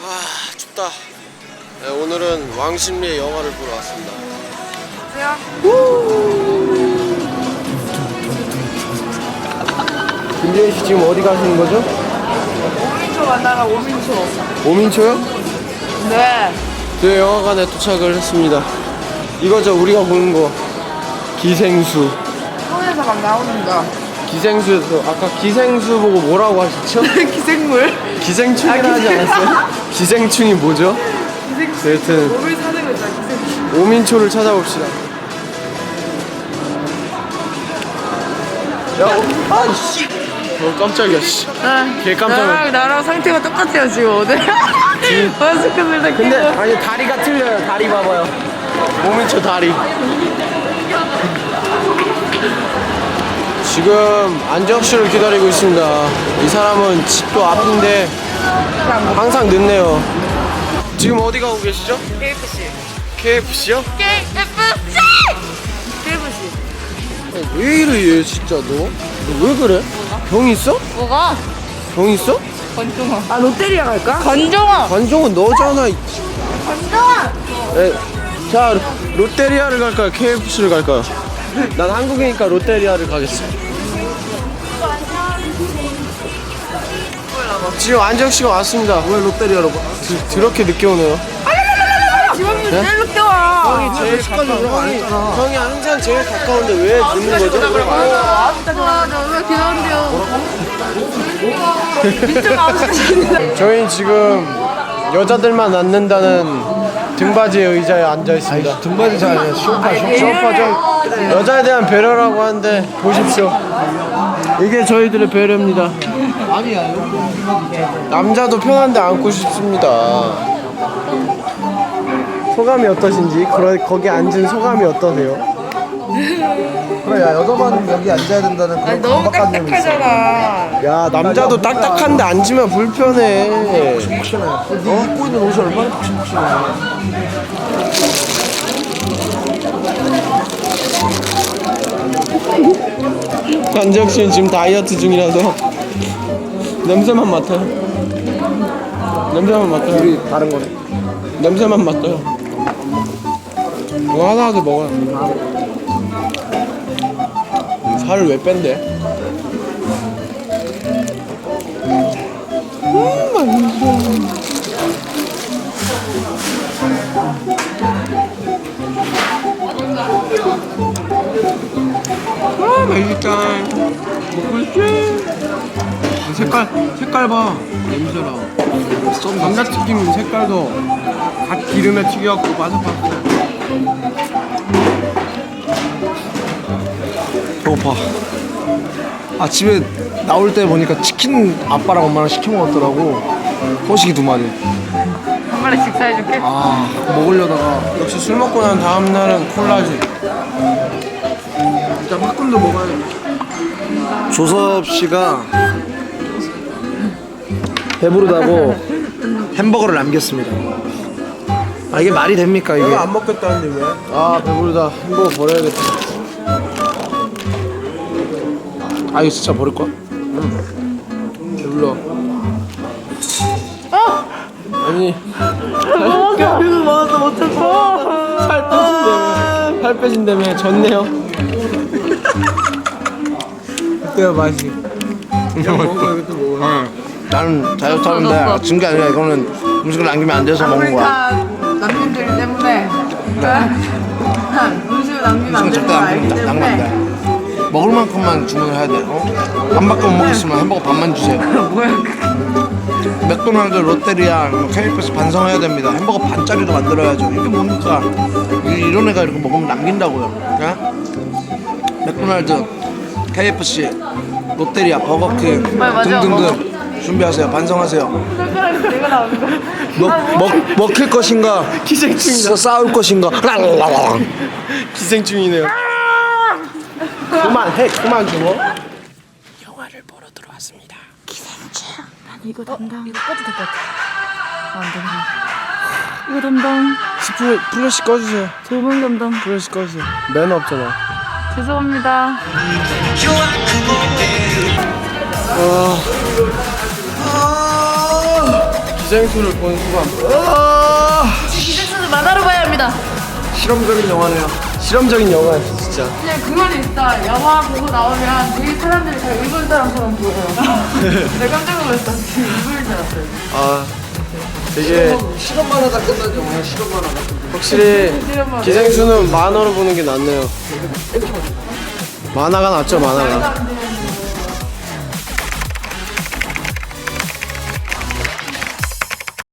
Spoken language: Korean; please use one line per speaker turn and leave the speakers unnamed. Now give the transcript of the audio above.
춥다. 네, 오늘은 왕십리의 영화를 보러 왔습니다. 김재희 씨 지금 어디 가시는 거죠?
오민초 만나러 오민초.
오민초요?
네.
저희 영화관에 도착을 했습니다. 이거죠, 우리가 보는 거. 기생수.
통에서 막 나오는 거.
기생수, 아까 기생수 보고 뭐라고 하셨죠?
기생물?
기생충이라 하지 않았어요? 기생충이 뭐죠?
기생충.
여튼
몸을 사는 거죠, 기생충.
오민초를 찾아봅시다. 야, 아이씨. 깜짝이야, 씨. 개 깜짝이야.
나랑 상태가 똑같아요, 지금 오늘. 마스크를 다
근데,
끼고.
아니, 다리가 틀려요. 다리 봐봐요. 오민초 다리. 지금 안재혁 씨를 기다리고 있습니다. 이 사람은 집도 앞인데 항상 늦네요. 지금 어디 가고 계시죠?
KFC.
KFC요?
KFC!
왜 이래 얘 진짜 너 왜 그래? 병 있어?
뭐가?
병 있어?
건종아. 아, 롯데리아 갈까? 건종아!
관종은 너잖아.
건종아!
자, 롯데리아를 갈까요? KFC를 갈까요? 난 한국이니까 롯데리아를 가겠어. 지금 안재혁 씨가 왔습니다. 왜 롯데리아로 가? 그렇게 늦게 오네요.
지원이 제일 늦게 와.
형이 제일 형이 항상 제일 가까운데 왜 늦는 거죠?
왜 귀여운데요? 진짜 마음속에.
저희는 지금 여자들만 앉는다는 등받이 의자에 앉아 있습니다.
등받이자 아니야.
쇼파죠. 여자에 대한 배려라고 하는데 보십시오. 이게 저희들의 배려입니다.
아니야.
남자도 편한데 앉고 싶습니다. 소감이 어떠신지, 거기 앉은 소감이 어떠세요?
그래, 야, 여자만 여기 앉아야 된다는 그런
아니, 너무
강박관념이 있어.
딱딱하잖아.
야, 남자도 딱딱한데 앉으면 불편해.
푹신해. 네 입고 있는 옷이 얼마나 푹신푹신해.
안재혁 씨는 지금 다이어트 중이라서 냄새만 맡아요. 냄새만 맡아요.
우리 다른 거네.
냄새만 맡아요. 이거 하나라도 먹어요. 살을 왜 뺀대? 맛있다. 먹고 있지? 색깔 봐. 냄새랑. 감자튀김 색깔도 갓 기름에 튀겨갖고 바삭바삭해.
배고파. 아침에 나올 때 보니까 치킨 아빠랑 엄마랑 시켜 먹었더라고. 호식이 2마리.
한 마리씩 사해줄게.
아, 먹으려다가.
역시 술 먹고 난 다음 날은 콜라지.
일단 팝콘도 먹어야 돼. 조섭 씨가 배부르다고 햄버거를 남겼습니다. 아, 이게 말이 됩니까, 이게?
내가 안 먹겠다는데 왜? 아, 배부르다. 햄버거 버려야겠다.
아, 이거 진짜 버릴 거야?
배불러. 아니,
그래서 먹어서 못했어.
살 빼신다며 졌네요. 그때야 맛이. 그냥 먹어, 이것도 먹어.
나는 다이어트 하는데 진 게 아니라 이거는 음식을 남기면 안 돼서 먹는 거야.
다 남편들 때문에. 음식을 남기면 안
음식은
되는
절대
거
안
알기
먹는다. 남으면 안
때문에.
돼. 먹을 만큼만 주문을 해야 돼. 어? 반밖에 못 먹겠으면 햄버거 반만 주세요.
뭐야?
맥도날드, 롯데리아, KFC 반성해야 됩니다. 햄버거 반짜리로 만들어야죠. 이게 뭡니까? 이런 애가 이렇게 먹으면 남긴다고요. 예? 맥도날드, KFC, 롯데리아, 버거킹
맞아,
등등등 준비하세요. 반성하세요.
손가락이 내가 나오는 거야.
먹힐 것인가?
기생충이다.
싸울 것인가?
기생충이네요. 그만해, 그만 줘. 영화를 보러 들어왔습니다.
이거 담당. 이거 꺼도 될 것 같아. 안 되네. 이거 담당.
플래시 꺼주세요.
조명 담당.
플래시 꺼주세요. 매너 없잖아.
죄송합니다.
기생수를 본 소감.
기생수는 만화로 봐야 합니다.
실험적인 영화네요.
실험적인 영화야 진짜.
그냥 그 말이 있다. 영화 보고 나오면 되게 사람들이 다 일본 사람처럼 보여요. 내가 깜짝 놀랐다. 일본인 줄 알았어요.
아 되게
실험만 하다 끝난 영화야. 실험만 하다.
확실히 기생수는 만화로 보는 게 낫네요. 만화가 낫죠 만화가.